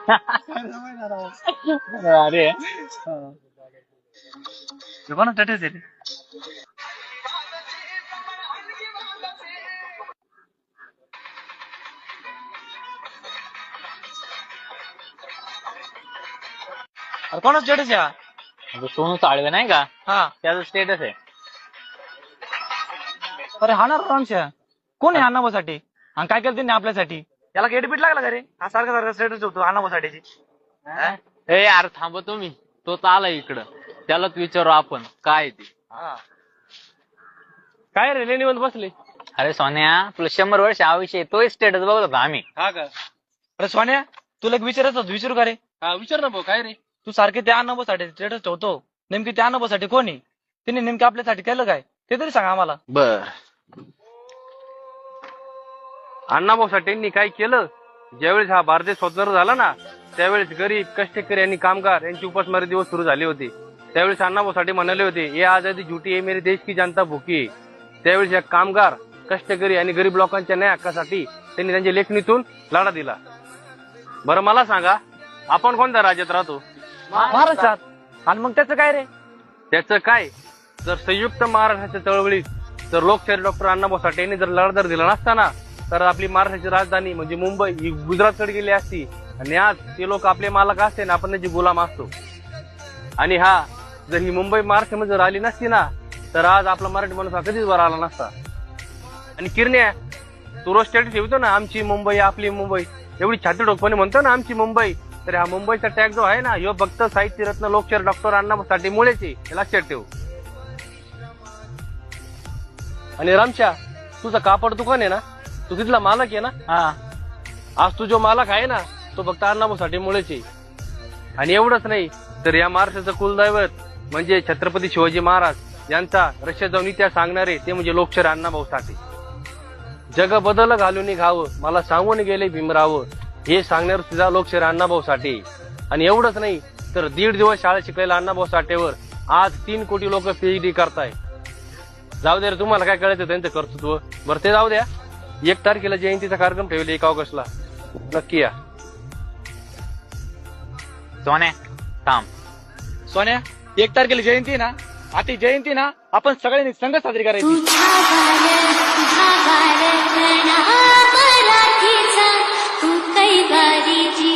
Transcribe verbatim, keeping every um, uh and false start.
अरे कोणा स्टेटस आहे कोणा स्टेटस आहे म्हणजे सोनू साळवे नाही का, हा त्याचं स्टेटस आहे. अरे हा ना रामशा कोण आहे अण्णाभाऊसाठी आणि काय केलं त्यांनी आपल्यासाठी? याला गेटबीट लागला का रे? हा सारखा सारखा स्टेटस ठेवतो अण्णाभाऊसाठीची. ए यार थांब तुम्ही, तोच आला इकडं, त्यालाच विचारू आपण काय ते. काय रे निवंत बसले? अरे सोन्या, तुला शंभर वर्ष आयुष्य तो स्टेटस बघत होता आम्ही. हा का? अरे सोन्या तुला एक विचारायचं होतं, विचारू का रे? हा विचार ना भाऊ, काय रे? तू सारखे त्या अण्णाभाऊसाठी स्टेटस ठेवतो, नेमकी त्या अण्णाभाऊसाठी कोण आहे? त्यांनी नेमकं आपल्यासाठी केलं काय ते तरी सांग आम्हाला. बर, अण्णाभाऊसाठींनी काय केलं? ज्यावेळेस हा भारत देश स्वतंत्र झाला ना, त्यावेळेस गरीब कष्टकरी आणि कामगार यांची उपासमारी दिवस सुरू झाले होते. त्यावेळेस अण्णाभाऊसाठी म्हणाले होते, ये आजादी झुटी है मेरे देश की जनता भुकी. त्यावेळेस या कामगार कष्टकरी आणि गरीब लोकांच्या न्याय हक्कासाठी त्यांनी त्यांच्या लेखणीतून लढा दिला. बरं मला सांगा, आपण कोणत्या राज्यात राहतो? महाराष्ट्रात. आणि मग त्याचं काय रे? त्याचं काय, जर संयुक्त महाराष्ट्राच्या चळवळीत जर लोकशाही डॉक्टर अण्णाभाऊ साठे यांनी जर लढा दिला नसताना, तर आपली महाराष्ट्राची राजधानी म्हणजे मुंबई ही गुजरातकडे गेली असती आणि आज ते लोक आपले मालक असते ना, आपण त्याची गुलाम असतो. आणि हा जर ही मुंबई महाराष्ट्रामध्ये जर आली नसती ना, तर आज आपला मराठी माणूस हा कधीच वर आला नसता. आणि किरण्या, तू रोज स्टेटस ठेवतो ना आमची मुंबई आपली मुंबई, एवढी छाती ठोकपणे म्हणतो ना आमची मुंबई, तर हा मुंबईचा टॅग जो आहे ना, ह्यो फक्त साहित्य रत्न लोकशाहीर डॉक्टर अण्णाभाऊ साठे मुळेच आहे, हे लक्षात ठेव. आणि रामशा, तुझं कापड दुकान आहे ना, तू तिथला मालक आहे ना? हा. आज तू जो मालक आहे ना, तो फक्त अण्णाभाऊ साठे मुळेच आहे. आणि एवढंच नाही, तर या महाराष्ट्राचं कुलदैवत म्हणजे छत्रपती शिवाजी महाराज यांचा रशियात जाऊन इतिहास सांगणारे ते म्हणजे लोकशाहीर अण्णाभाऊ साठे. जग बदल घालून घावं, मला सांगून गेले भीमराव, हे सांगणार सुद्धा लोकशाहीर अण्णाभाऊ साठे. आणि एवढंच नाही, तर दीड दिवस शाळा शिकलेल्या अण्णाभाऊ साठेवर आज तीन कोटी लोक पीएचडी करताय. जाऊ द्या रे, तुम्हाला काय कळायचं त्यांचं कर्तृत्व. बरं ते जाऊ द्या, एक तारखेला जयंतीचा कार्यक्रम ठेवले एक ऑगस्टला, नक्की या. सोन्या थांब. सोन्या एक तारखेला जयंती ना, आता जयंती ना आपण सगळ्यांनी संघ साजरी करायची. मराठीचा तू कैवारीची